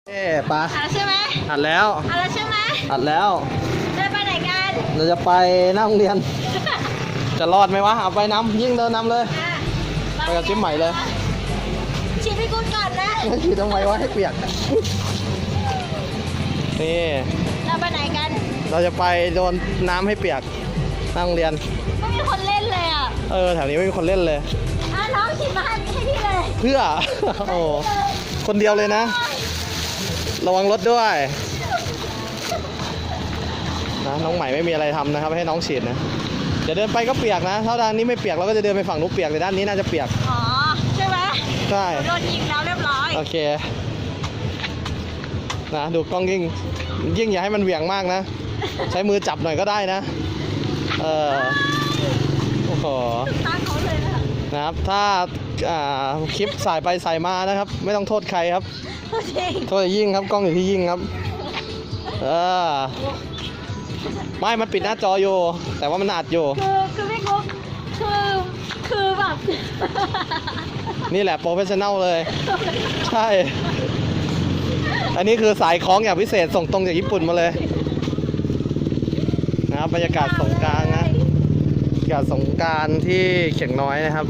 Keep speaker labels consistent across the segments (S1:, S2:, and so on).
S1: ปะ
S2: ใช่ไหม
S1: อัดแล้ว
S2: ใช่ไหม
S1: อัดแล้ว
S2: จะไปไหนกัน
S1: เราจะไปหน้าโรงเรียน จะรอดไหมวะเอาไปน้ำยิ่งเดินนำเลยไปกับจิ๊บใหม่เลย
S2: ฉีดให้กูก่อนนะ
S1: ฉีดทำไมวะให้เปียกนี่
S2: เราไปไหนกัน
S1: เราจะไปโดนน้ำให้เปียกหน้าโรงเรียน
S2: ไม่มีคนเล่นเลยอ่ะ
S1: แถวนี้ไม่มีคนเล่นเลย
S2: น้องฉีดมาให้พี่เลย
S1: เพื่อโอ้คนเดียวเลยนะระวังรถด้วยนะน้องใหม่ไม่มีอะไรทำนะครับให้น้องฉีดนะจะเดินไปก็เปียกนะถ้าด้านนี้ไม่เปียกเราก็จะเดินไปฝั่งนู้นเปียกแต่ด้านนี้น่าจะเปียก
S2: อ๋อใช่ไหม
S1: ใช่
S2: โดนยิงแล้วเรียบร้อย
S1: โอเคนะดูกล้องยิ่งอย่าให้มันเหวี่ยงมากนะใช้มือจับหน่อยก็ได้นะโอ้โหนะครับถ้าคลิปสายไปสายมานะครับไม่ต้องโทษใครครับโทษยิ่งครับกล้องอยู่ที่ยิ่งครับไม่มันปิดหน้าจออยู่แต่ว่ามันอัดอยู่
S2: คือพี่กุ๊กคือแบบ
S1: นี่แหละโปรเฟชชั่นแนลเลยใช่อันนี้คือสายคล้องอย่างพิเศษส่งตรงจากญี่ปุ่นมาเลยนะครับบรรยากาศสงกรานต์นะบรรยากาศสงกรานต์ที่เขียงน้อยนะครับ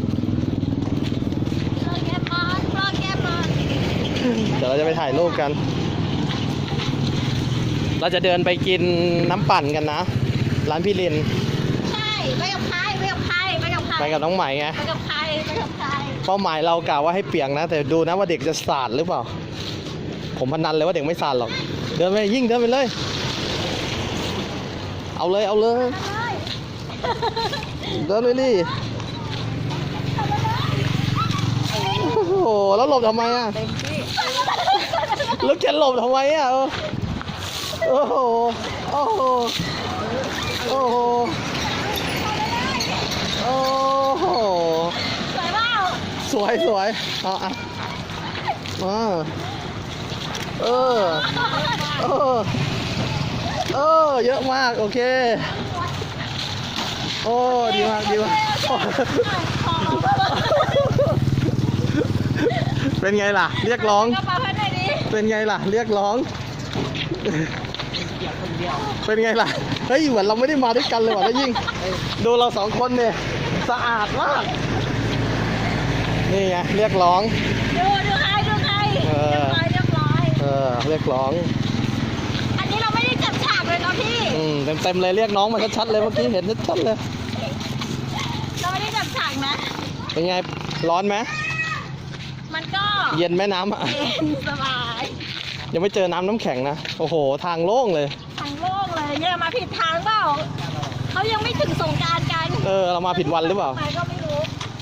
S1: เดี๋ยวเราจะไปถ่ายรูปกันเราจะเดินไปกินน้ำปั่นกันนะร้านพี่ลิน
S2: ใช่ไปกับใคร
S1: ไปกับน้องใหม่ไง
S2: ไปกับใคร
S1: เป้าหมายเรากะว่าให้เปียกนะแต่ดูนะว่าเด็กจะสาดหรือเปล่าผมพนันเลยว่าเด็กไม่สาดหรอกเดินไปยิ่งเดินไปเลยเอาเลยเดินเลยดิโอ้โหแล้วหลบทำไมอ่ะแล้วจะหลบทำไมอ่ะโอ้โหโอ้โหโอ้โหโอ้โห
S2: สวยเปล่า
S1: สวยเยอะมากโอเคโอ้ดีมากเป็นไงล่ะเรียกร้องเป็นไงล่ะเรียกร้องเป็นไงล่ะเฮ้ยเหมือนเราไม่ได้มาด้วยกันเลยว่ะแล้วยิ่งดูเราสองคนเนี่ยสะอาดมากนี่ไงเรียกร้อง
S2: ดูใครเรียบร้อย
S1: เรียกร้อง
S2: อันนี้เราไม่ได้จับฉากเลยเนาะพี่
S1: เต็มเลยเรียกน้องมาชัดๆเลยเมื่อกี้เห็นชัดๆเลย
S2: เราไม่ได้จับฉากนะ
S1: เป็นไงร้อนไหม
S2: มันก็
S1: เย็นแม่น้ำอ่ะ
S2: เย็นสบาย
S1: ยังไม่เจอน้ำแข็งนะโอ้โหทางโล่งเลย
S2: เนี่ยมาผิดทางเปล่าเขายังไม่ถึงสงกรานต์กัน
S1: เรามาผิดวันหรือเปล่า
S2: ก็ไม่รู้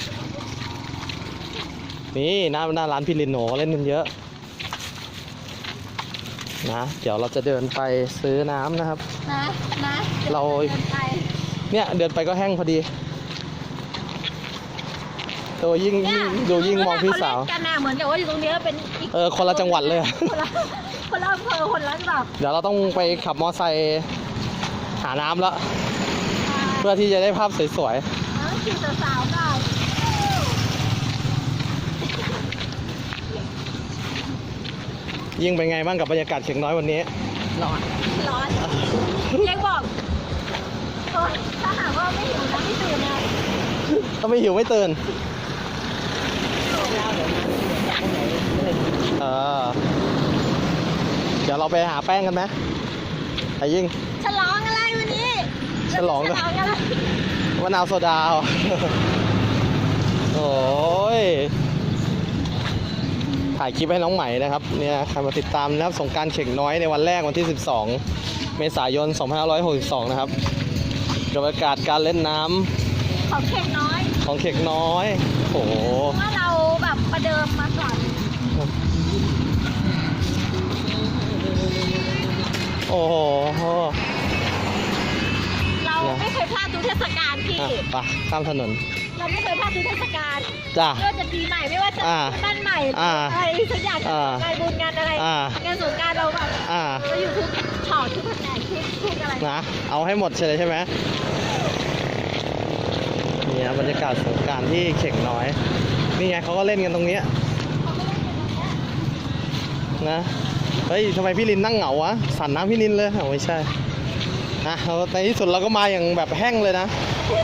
S1: นี่หน้าร้านพี่ลินโหเล่นกันเยอะนะเดี๋ยวเราจะเดินไปซื้อน้ำนะครับ
S2: นะ
S1: เราเนี่ยเดินไปก็แห้งพอดีตัวยิ่งมองพี่สาว
S2: กันนะเหมือนกับว่าอยู่ตรงนี้เป็น
S1: คนละจังหวัดเลย
S2: คนละอำเภอคนละแบบ
S1: เดี๋ยวเราต้องไปขับมอไซค์หาน้ำแล้วเพื่อที่จะได้ภาพสวย
S2: ๆขี่สาวๆก่อน
S1: ยิ่งเป็นไงบ้างกับบรรยากาศเขียงน้อยวันนี้
S2: ร้อนยังบอกถ้าหากว่าไม่หิวนะไม่ตื่นเลย
S1: ถ้าไม่หิวไม่ตื่นเดี๋ยวเราไปหาแป้งกันไหมไอ้ยิ่ง
S2: ฉลองอะไรวันนี้
S1: ฉลองอะไรมะนาวโซดาโอ้ยถ่ายคลิปให้น้องใหม่นะครับเนี่ยใครมาติดตามนะครับสงกรานต์เข่งน้อยในวันแรกวันที่12 เมษายน 2562นะครับบรรยากาศการเล่นน้
S2: ำของเข่ง
S1: น้อยโอ้โห
S2: ว่าเราแบบประเดิมมาก่อน
S1: โอ้โห
S2: เราไม่เคยพลาดทุกเทศกาลพี่
S1: ไปข้ามถนน
S2: เราไม่เคยพลาดทุกเทศกาล
S1: จ้ะ
S2: ไม่ว่าจะปีใหม่ไม่ว่าจะบ้านใหม่อะไรสักอย่างงานบุญงานอะไรงานสงกรานต์เราแบบเราอยู่ทุกช็อตทุกแผนกทุกอะไร
S1: นะเอาให้หมดใช่ไหมนี่บรรยากาศสงกรานต์ที่เข่งน้อยนี่ไงเขาก็เล่นกันตรงนี้นะเฮ้ยทำไมพี่ลินนั่งเหงาวะสั่นน้ำพี่ลินเลยเอาไม่ใช่นะในที่สุดเราก็มาอย่างแบบแห้งเลยนะ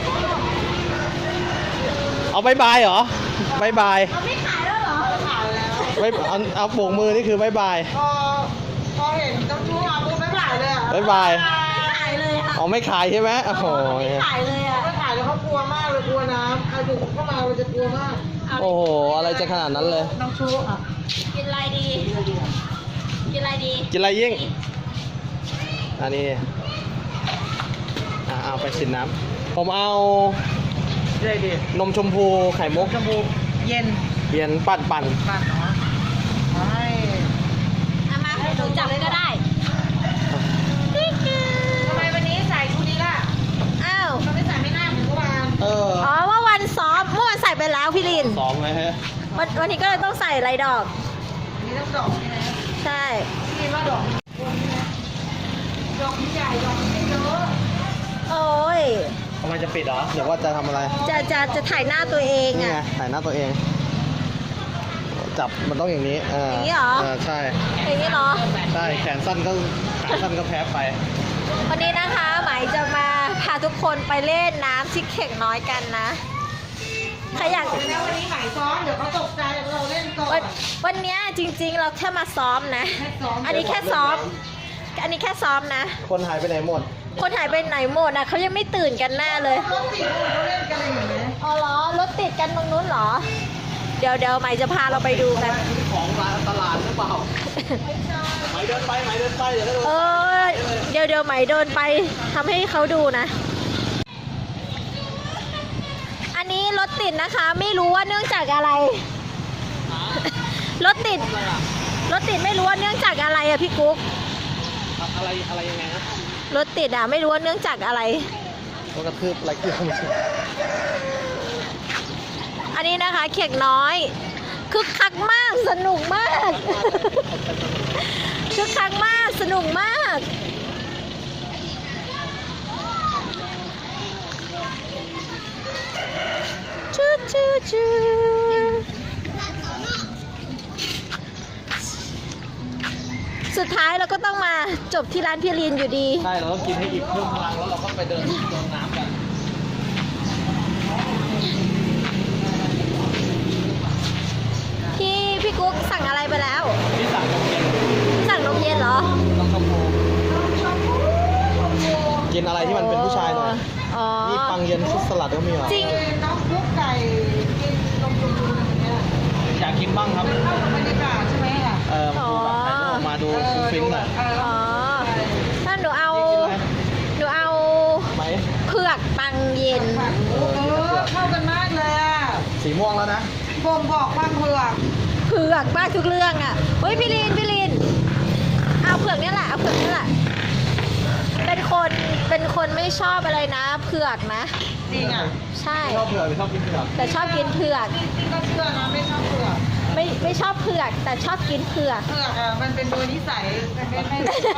S1: เอาบายบายเหรอบายบาย
S2: เอาไม่ขายแล้วเหรอขายแล้ว
S1: ไม่เอาโบกมือนี่คือบายบาย
S3: พอเห็นน้ำชูมาปุ๊บไม่ขายเลยอ่ะ
S1: บายบาย
S2: ไม่ขายเลยค่ะ
S1: อ๋อไม่ขายใช่ไหมโอ้โห
S2: ไม่ขายเลยอ่ะ
S3: ไม่ขายแล้วเขากลัวมากเลยกลัวน้ำใครบุกเข้ามาเราจะกลัวมาก
S1: โอ้โหอะไรจะขนาดนั้นเลย
S3: น้ำชูอ่ะ
S2: กินอะไรดีกินอะไรดี
S1: กินอะไรยิ่งอันนี้เอาไปสินน้ำผมเอา
S3: ได้ดิ
S1: นมชมพูไข่มุก
S3: ชมพูเย็น
S1: เย็นปั่น
S3: ปั่นเนาะใช่
S2: เอามาหนูจับเลยก็ได้
S3: ทำไมวันนี้ใส่ชุดนี้ล่ะ
S2: อ้าว
S3: ทำไมใส่ไม่น่าเหมือนเมื่อวาน
S1: เออ
S2: อ๋อเมื่อวันซ้อมเมื่อวันใส่ไปแล้วพี่ลิน
S1: ซ้อมไหมฮะ
S2: วันนี้ก็เลยต้องใส่ลายดอก
S3: อันนี้ต้องดอกใช่ไหม
S2: ใช่
S3: พี่ว่าดอกดอกใหญ่ดอกไม่เยอะ
S2: โอ้ย
S1: ทำไมจะปิดเหรอเดี๋ยวว่าจะทำอะไร
S2: จะถ่ายหน้าตัวเอง
S1: นี่ไง
S2: อ่ะ
S1: ถ่ายหน้าตัวเอง จับมันต้องอย่างนี้
S2: อย่างนี้เหรอ
S1: ใช่
S2: อย่างนี้เนาะ
S1: ใช่แขนสั้นก็ขาสั้นก็แพ้ไป
S2: วันนี้นะคะหมายจะมาพาทุกคนไปเล่นน้ำที่เข่งน้อยกันนะใครอยาก
S3: แล้ววันนี้หมายซ้อมเดี๋ยวเขาตกใจเราเล่นก่อน
S2: วันเนี้ยจริงๆเราแค่มาซ้อมนะ
S3: แค่ซ้อม
S2: อันนี้แค่ซ้อม อันนี้แค่ซ้อมนะ
S1: คนหายไปไหนหมด
S2: คนหายไปไหนหมดอ่ะเขายังไม่ตื่นกันแน่เลย
S3: รถติดเขาเล่นกันอะไรอย่างเงี้ย
S2: อ๋อเหรอรถติดกันตรงนู้นเหรอ เดี๋ยวใหม่จะพาเราไปดูกัน
S1: ของร้านตลาดหรือเปล่าไหมเดินไปไหมเดินไปเดี๋ยวก็โดน
S2: เดี๋ยวใหม่เดินไปทำให้เขาดูนะ อันนี้รถติดนะคะ ไม่รู้ว่าเนื่องจากอะไร รถติดไม่รู้ว่าเนื่องจากอะไรอะพี่กุ๊ก
S1: อะไรยังไงนะ
S2: รถติดอะไม่รู้ว่าเนื่องจากอะไร
S1: รถกระทืบอะไรคือไม่ใช่
S2: อันนี้นะคะเข่งน้อยคึกคักมากสนุกมาก คึกคักมากสนุกมากชูชูชูสุดท้ายเราก็ต้องมาจบที่ร้านพี่ลีนอยู่ดี
S1: ใช่เราต้องกินให้อิ่มเพิ่มพลังแล้วเราก็ไปเดินน้ำกัน
S2: พี่กุ๊กสั่งอะไรไปแล้ว
S1: ที่สั่งนมเย็น
S2: สั่งนมเย็นเหรอ
S1: ต้องชมพูกินอะไรที่มันเป็นผู้ชายหน่อย
S2: อ๋อ
S1: นี่ปังเย็นซุปสลัดก็มีเหรอ
S2: จริง
S3: น้องคุกไก่กินนมชมพูอะไรอย่างเงี้ย
S1: อยากกินบ้างครับ
S3: มันเข้ากับบรรยากาศใช่ไหมอ่ะ
S1: มาดูแบบถ่ายรูปออกมาดูฟิ้งหน่อย
S2: อ๋อถ้าหนูเอา
S1: ไหม
S2: เผือกปังเย็น
S3: เข้ากันมากเลยอ่ะ
S1: สีม่วงแล้วนะ
S3: บ่งบอกความเผือก
S2: เผือกมากทุกเรื่องอ่ะ เฮ้ยพี่ลิน เอาเผือกเนี่ยแหละ เอาเผือกเนี่ยแหละ เป็นคนไม่ชอบอะไรนะ เผือกนะ
S3: จริงอ่ะ
S2: ใช่
S1: ชอบเผือกหรือชอบกินเผือก
S2: แต่ชอบกินเผือก
S3: จริงๆก็เชื่อนะไม่ชอบเผือก
S2: ไม่ชอบเผือก แต่ชอบกินเผือก
S3: เผือกอ่ะมันเป็นโดยนิสัยแต่ไม่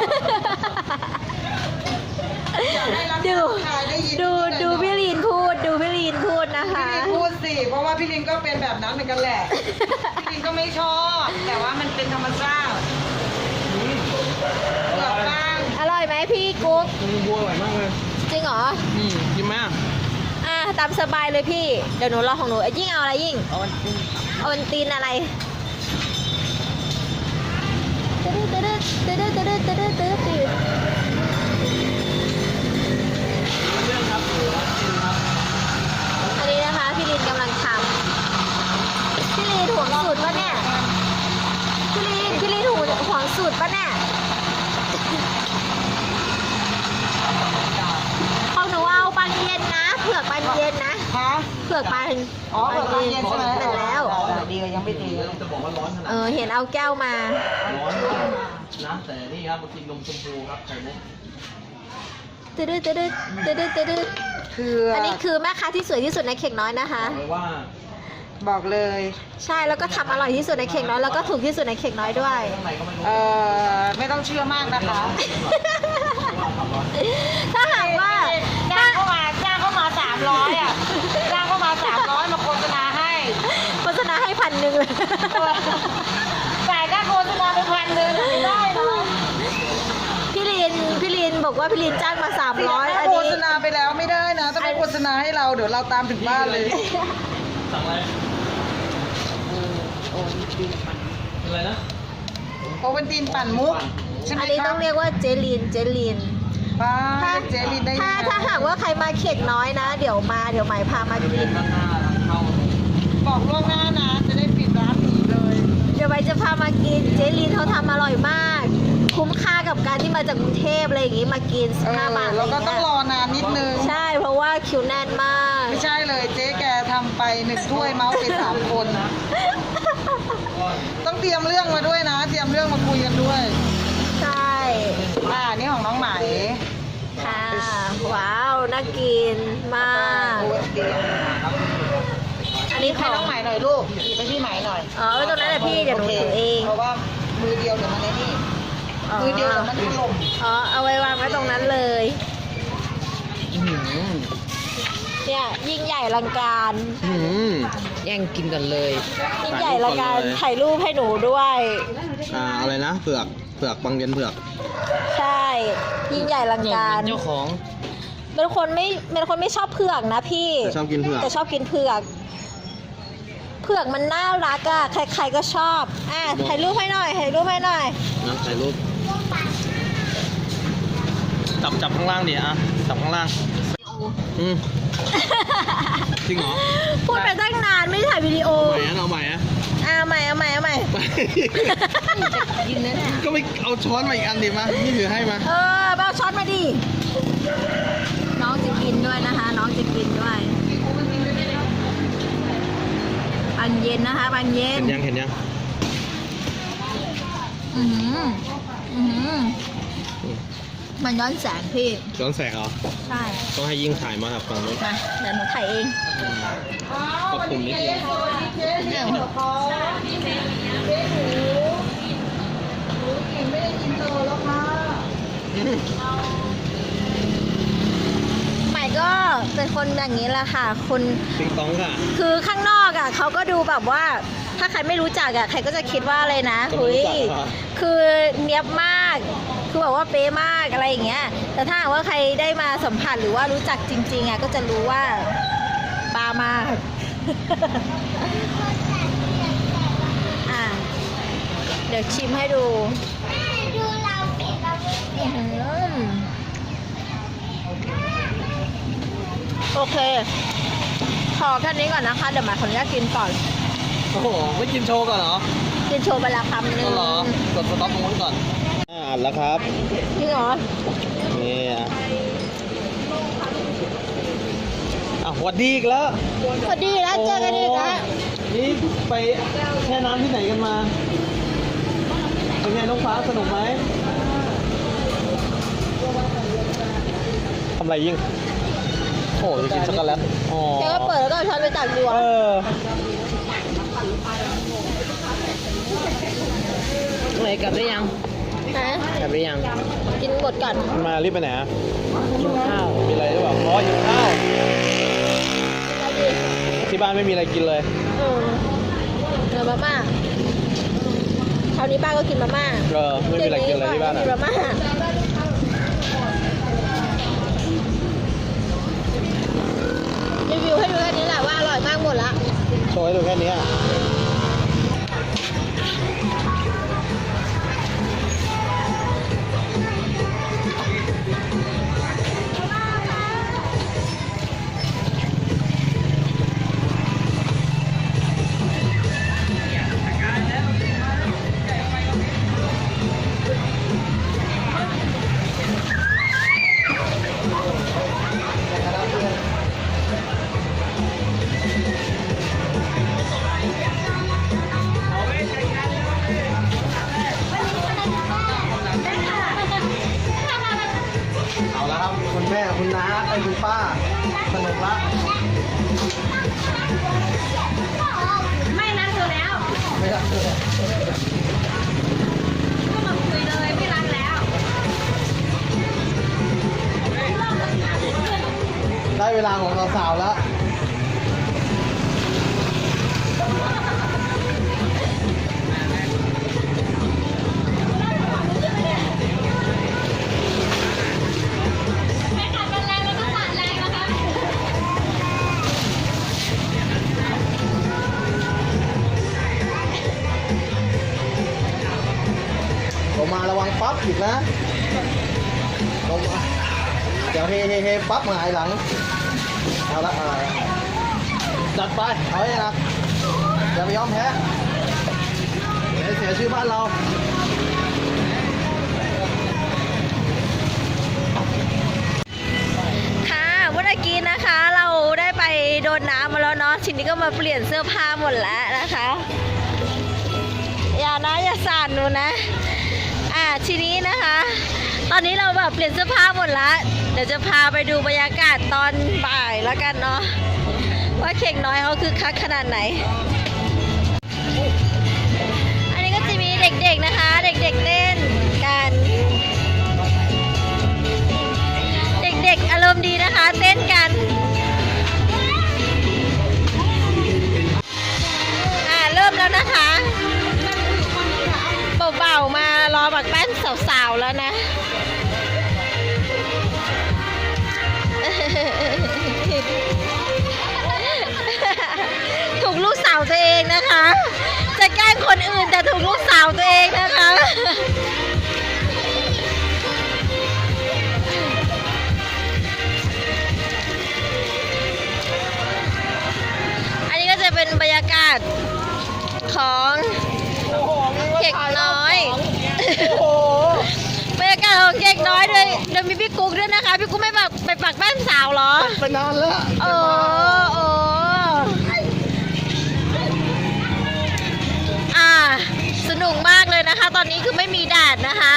S3: อยากให้รับ
S2: ดู
S3: ชายได้ยิน
S2: ดูพี่ลีนพูด ดูพี่ลีนพูดนะคะ
S3: พี่ลินพูดสิเพราะว่าพี่ลินก็เป็นแบบนั้นเหมือนกันแหละพี่ลินก็ไม่ชอบ แต่ว่ามันเป็นธรรมชาติเผือกบ้าง
S2: อร่อยไหมพี่กุ๊ก
S1: มันบัวอร่อยมากเลย
S2: จริงเหรอ
S1: กินไหม
S2: ตามสบายเลยพี่ เดี๋ยวหนูรอของหนูยิ่งเอาอะไรยิ่ง
S1: เอา
S2: เอาวันตีนอะไรตึ๊ด
S1: เรื่องครับกินครับ
S2: อันนี้นะคะพี่ลินกำลังทำพี่ลินห่วงสูตรปะเนี่ยพี่ลินห่วงสูตรปะเนี่ยของหนูเอาปังเย็นนะเผือกปังเย็นนะ
S3: ฮะ
S2: เผือกปัง
S3: อ๋อเผือกบางเย็นใช่ไหม
S2: เสร็จแล้ว
S3: ดีกว่ายังไม่ตี
S1: จะบอกว่าร้อนขนาด
S2: เห็นเอาแก้วมา
S1: ร้อนมากนะแต่นี่ครับมากินนมชมพูครับไข่มุก
S2: ตึ๊ด
S3: คือ
S2: อันนี้คือแม่ค้าที่สวยที่สุดในเข่งน้อยนะคะ
S1: บอกเลยว่า
S3: บอกเลย
S2: ใช่แล้วก็ทำอร่อยที่สุดในเข่งน้อยแล้วก็ถูกที่สุดในเข่งน้อยด้วย
S1: ข้างในก็ไม่รู้
S3: ไม่ต้องเชื่อมากนะคะ
S2: ถ้าหากว่า
S3: จ้างเข้ามา300อ่ะจ้างเข้ามา300มาโฆษณาให้
S2: โฆษณาให้1,000เลย
S3: จ่ายค่าโฆษณาไป1,000 เดินไม่ได้นะ
S2: พี่ลินบอกว่าพี่ลินจ้างมา300อัน
S3: โฆ
S2: นี้
S3: ษณาไปแล้วไม่ได้นะต้องไปโฆษณาให้เราเดี๋ยวเราตามถึงบ้านเลย
S1: สั่งอะไรอะไรนะ
S3: โอวันตินปั่นมุกใช่ไหม
S2: อันนี้
S3: ค
S2: ต้
S3: รั
S2: อบ งเรียกว่าเจลิน
S3: ป้า
S2: ถ้า
S3: เจลินได้ยังไง
S2: ถ้าหากว่าใครมาเข็กน้อยนะ เดี๋ยวใหม่พามากิน
S3: บอกล่วงหน้านะจะได้ปิดร้านหนีเลย
S2: เดี๋ยวใบจะพามากินเจลินเขาทำอร่อยมาก คุ้มค่ากับการที่มาจากกรุงเทพอะไรอย่างงี้มากิน15 บาท
S3: แล้วก็ต้องรอนานนิดนึง
S2: ใช่เพราะว่าคิวแน่นมาก
S3: ไม่ใช่เลยเจ๊แกทำไป1 ถ้วยเมาส์ไป3 คนนะต้องเตรียมเรื่องมาด้วยนะ เตรียมเรื่องมาคุยกันด้วย
S2: ใช่
S3: นี่ของน้องไหม
S2: ค่ะว้าวน่ากินมาก อันนี้ข
S3: ให้
S2: อง
S3: น้องไหมหน่อยลูกหยิบไปที่ไหมหน่อย
S2: อ๋อไว้ตรงนั้นแหละพี่เดี๋ยวหนูถือเอง
S3: เพราะว่ามือเดียวเดี๋ยวมันไอ้นี่มือเดียวเดี๋ยวมันถล่ม
S2: อ๋อเอาไว้วางไว้ตรงนั้นเลยเนี่ยยิ่งใหญ่อลังการ
S1: แย่งกินกันเลย
S2: ยิ่งใหญ่อลังการถ่ายรูปให้หนูด้วย
S1: อะไรนะเผือกบางเย็นเผือก
S2: ใช่ยิ่งใหญ่อลังการ
S1: เจ้าของ
S2: เป็นคนไม่ชอบเผือกนะพี่
S1: แต่ชอบกินเผือก
S2: แต่ชอบกินเผือก เผือกมันน่ารักอะใครๆก็ชอบถ่ายรูปให้หน่อยถ่ายรูปให้หน่อย
S1: นะถ่ายรูปจับข้างล่างดิจับข้างล่างจริงเหรอ
S2: พูดไปตั้งนานไม่ได้ถ่ายวิดีโอ
S1: เอาใหม่
S2: เอาใหม่ยืนนั่นแหละ
S1: ก็ไม่เอาช้อนมาอีกอันดิมานี่ถือให้มา
S2: เอาช้อนมาดิน้องจะกินด้วยนะคะ น้องจะกินด้วยปันเย็นนะคะปันเย็น
S1: เห็นยัง
S2: อือหือมันย้อนแสงพี่
S1: ช้อนแสกเหรอ
S2: ใช่
S1: ต้องให้ยิ่งถ่ายมาครับฝั่งนู้น
S2: มาเดี๋ยวหนูถ่ายเอง
S1: ปรับปรุงนิดนึง
S3: เจ๊เดี๋ยวเขาเจ๊หนูกินไม่ได้กินโตแล้วค่ะ
S2: ใหม่ก็เป็นคนอย่างนี้แหละค่ะคน
S1: ติ๊งต้องค่ะ
S2: คือข้างนอกอ่ะเขาก็ดูแบบว่า ถ้าใครไม่รู้จักอ่ะใครก็จะคิดว่าอะไรนะ
S1: ก็ไม่รู้จัก
S2: คือเนียบมาก คือแบบว่าเป๊ะมากอะไรอย่างเงี้ย แต่ถ้าหากว่าใครได้มาสัมผัสหรือว่ารู้จักจริงๆอ่ะก็จะรู้ว่าปลามาก เดี๋ยวชิมให้ดูอื้อหือโอเค ขอแค่นี้ก่อนนะคะ เดี๋ยวหมายขออนุญาตกินก่อน
S1: โอ้โหไม่กินโชว์ก่อนเหรอ
S2: กินโชว์ไปละคำหนึ่ง
S1: ก็เหรอกดสต็อปตรงนู้นก่อนอัดแล้วครับ
S2: จริงเหรอ
S1: นี่หวัดดีอีกแล้ว
S2: สวัสดีแล้วเจอกันอีกแล้ว
S1: นี่ไปแช่น้ำที่ไหนกันมาเป็นไงน้องฟ้าสนุกไหมทำไรยิ่งโอ้จะกินช็อกโกแลตอ๋อ
S2: แกก็เปิดแล้วก็เอาช้อนไปตักดูอ่ะ
S1: ไหนกลับได้ยัง
S2: นะ
S1: กลับได้ยัง
S2: กินหมดก่อน
S1: มารีบไปไหนกินข้าว มีอะไรหรือเปล่าอ๋อกินข้าว ที่บ้านไม่มีอะไรกินเลย
S2: เดี๋ยวมาม่าคราวนี้ป้าก็กินมาม่า
S1: ไม่มีอะไรกินเลยที่บ้าน
S2: กินมาม่ารีวิวให้ดูแค่นี้แหละว่าอร่อยมากหมดละ
S1: โชว์ให้ดูแค่นี้เอาละครับคุณแม่คุณน้าคุณป้าสนุกละ
S2: ไม่รักเธอแล้ว
S1: ไม่รักเลย
S2: ก็มาคุยเลยไม่รักแล้ว
S1: ได้เวลาของสาวๆแล้วงมาระวังปั๊บอีกนะลงมาเดี๋ยวเฮปั๊บหงายหลังเอาละจัดไปเอาให้หนักอย่าไปยอมแพ้เดี๋ยวเสียชื่อบ้านเรา
S2: ค่ะเมื่อกี้นะคะเราได้ไปโดนน้ำมาแล้วเนาะทีนี้ก็มาเปลี่ยนเสื้อผ้าหมดแล้วนะคะอย่านะอย่าสั่นหนูนะทีนี้นะคะ ตอนนี้เราแบบเปลี่ยนเสื้อผ้าหมดแล้วเดี๋ยวจะพาไปดูบรรยากาศตอนบ่ายแล้วกันเนาะว่าเข่งน้อยเขาคือคักขนาดไหนอันนี้ก็จะมีเด็กๆนะคะเด็กๆเต้นกันเด็กๆอารมณ์ดีนะคะเต้นกันเริ่มแล้วนะคะเบาๆมารอบักแป้นสาวๆแล้วนะถูกลูกสาวตัวเองนะคะจะแกล้งคนอื่นแต่ถูกลูกสาวตัวเองนะคะอันนี้ก็จะเป็นบรรยากาศของเด็กน้อยบรรยากาศของเด็กน้อยเลยเดี๋ยวมีพี่กุ๊กด้วยนะคะพี่กุ๊กไม่ไปปักบ้านสาวเหรอ
S1: ไปนานแล้ว
S2: สนุกมากเลยนะคะตอนนี้คือไม่มีแดดนะคะ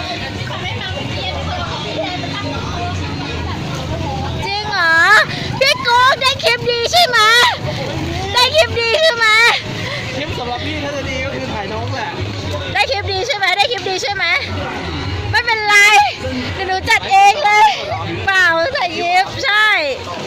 S2: จริงเหรอพี่กุ๊กได้คลิปดีใช่ไหมได้คลิปดีใช่ไหม
S1: คลิปสำหรับพี่ถ้าจะดีก็คือถ่ายน้องแหละ
S2: ได้คลิปดีใช่ไหมได้คลิปดีใช่ไหมไม่เป็นไรเดี๋ยวหนูจัดเองเลยเปล่าใส่ยิบใช่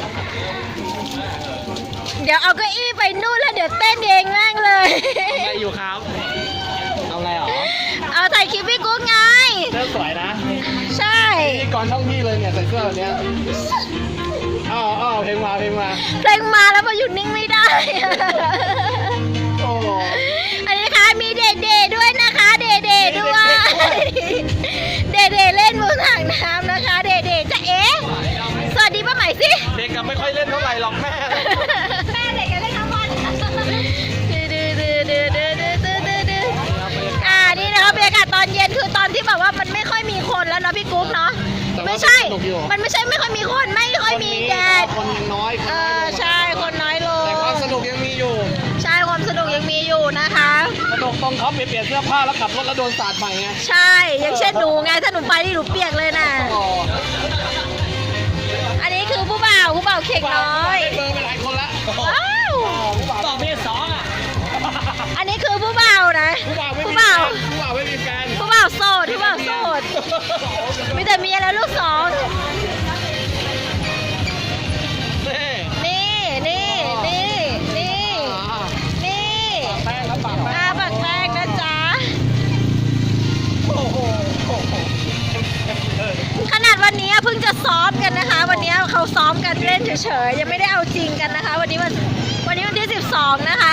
S2: เดี๋ยวเอาเก้าอี้ไปนู่นแล้วเดี๋ยวเต้นเองแม่งเลย
S1: อะไรอยู่ครับเอาอะไรหรอ
S2: เอาถ่ายคลิปพี่กุ๊กไง
S1: เสื้อสวยนะ
S2: ใช่
S1: นี่ก่อนช่องพี่เลยเนี่ยใส่เสื้อแบบเนี้ยเพลงมาเพลง
S2: มาแล้วมาหยุดนิ่งไม่ได้อันนี้นะคะมีเดๆด้วยนะคะเดๆด้วยเดๆเล่นบนถังน้ำนะคะเดๆจะสวัสดีป้าใหม่สิ
S1: เด็กก็ไม่ค่อยเล่นเท่าไหร่หรอกแม่
S2: เด็กก็เล่นทั้งวันนี่นะคะบรรยากาศตอนเย็นคือตอนที่แบบว่ามันไม่ค่อยมีคนแล้วเนาะพี่กุ๊กเนาะไม่ใช่มันไม่ใช่ไม่ค่อยมีคนไม่ค่อยมีแดด
S1: คนยังน้อย
S2: ใช่คนน้อยลง
S1: แต่ความสนุกยังมีอยู่
S2: ใช่ความสนุกยังมีอยู่นะคะ
S1: สนุกตรงเขาเปลี่ยนเสื้อผ้าแล้วขับรถแล้วโดนสาดใหม่ไง
S2: ใช่อย่างเช่นหนูไงถ้าหนูไปนี่หนูเปียกเลยนะอันนี้คือผู้บ่าวเข่งน้อย
S1: เบอร์ไปหลายคนละ
S2: ว้าว
S1: ต่อเมียสองอ่ะ
S2: อันนี้คือผู้บ่าวนะ
S1: ผู้บ่าวไม่มีแฟน
S2: ผู้บ่าวโสดมีแต่เมียแล้วลูกสองปักแป้งนะจ๊ะขนาดวันนี้เพิ่งจะซ้อมกันนะคะวันนี้เขาซ้อมกันเล่นเฉยๆยังไม่ได้เอาจริงกันนะคะวันนี้วันที่12นะคะ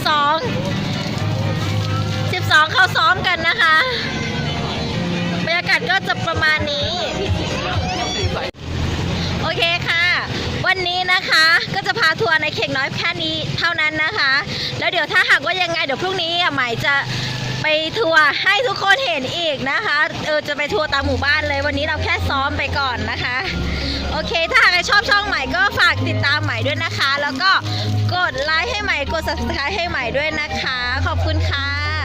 S2: 12เขาซ้อมกันนะคะบรรยากาศก็จะประมาณนี้โอเคค่ะวันนี้นะคะก็จะพาทัวร์ในเข่งน้อยแค่นี้เท่านั้นนะคะแล้วเดี๋ยวถ้าหากว่ายังไงเดี๋ยวพรุ่งนี้ใหม่จะไปทัวร์ให้ทุกคนเห็นอีกนะคะจะไปทัวร์ตามหมู่บ้านเลยวันนี้เราแค่ซ้อมไปก่อนนะคะโอเคถ้าหากใครชอบช่องใหม่ก็ฝากติดตามใหม่ด้วยนะคะแล้วก็กดไลค์ให้ใหม่กด Subscribe ให้ใหม่ด้วยนะคะขอบคุณค่ะ